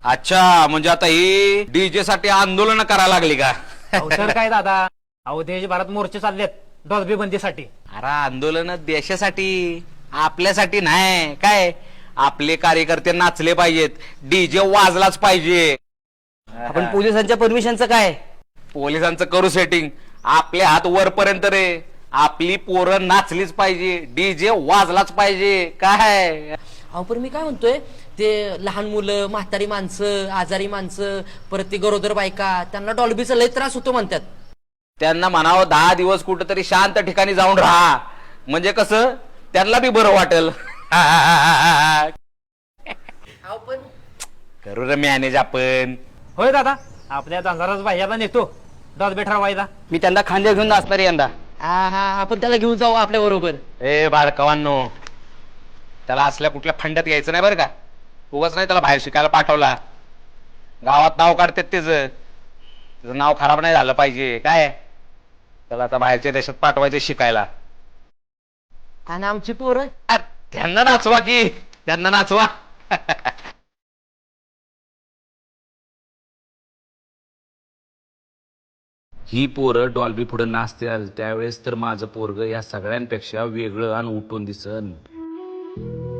अच्छा, म्हणजे आता ही डीजे साठी आंदोलन करायला लागली का? अहो तर काय दादा, अहो देशभरात मोर्चे चाललेत डॉल्बी बंदीसाठी. अरे आंदोलन देशासाठी, आपल्यासाठी नाही काय. आपले कार्यकर्ते नाचले पाहिजेत, डीजे वाजलाच पाहिजे. आपण पोलिसांच्या परमिशनचं काय? पोलिसांचं करू सेटिंग, आपले हात वरपर्यंत रे. आपली पोरं नाचलीच पाहिजे, डीजे वाजलाच पाहिजे काय. अहो पण मी काय म्हणतोय, ते लहान मुलं, म्हातारी माणसं, आजारी माणसं, परत ते गरोदर बायका, त्यांना डॉल्बीचा लय त्रास होतो म्हणतात. त्यांना म्हणावं 10 दिवस कुठंतरी शांत ठिकाणी जाऊन राहा, म्हणजे कसं त्यांना बी बरं वाटेल. अहो पण करू रे मॅनेज आपण. होय दादा, आपल्या धनराज भाईयाला नेतो डॉल्बी ठरवायला. मी त्यांना खांद्या घेऊन नाचणार यंदा. हा आपण त्याला घेऊन जाऊ आपल्या बरोबर. ए बाळकावांनो, त्याला असल्या कुठल्या फंड्यात घ्यायचं नाही बरं का. उगाच नाही त्याला बाहेर शिकायला पाठवला. गावात नाव काढतात त्याचं नाव खराब नाही झालं पाहिजे काय. त्याला आता बाहेरच्या देशात पाठवायचं शिकायला. आणि आमची पोरं अरे, त्यांना नाचवा की, त्यांना नाचवा. ही पोरं डॉल्बी पुढे नाचतील त्यावेळेस तर माझं पोरग या सगळ्यांपेक्षा वेगळं आणि उठून दिसन.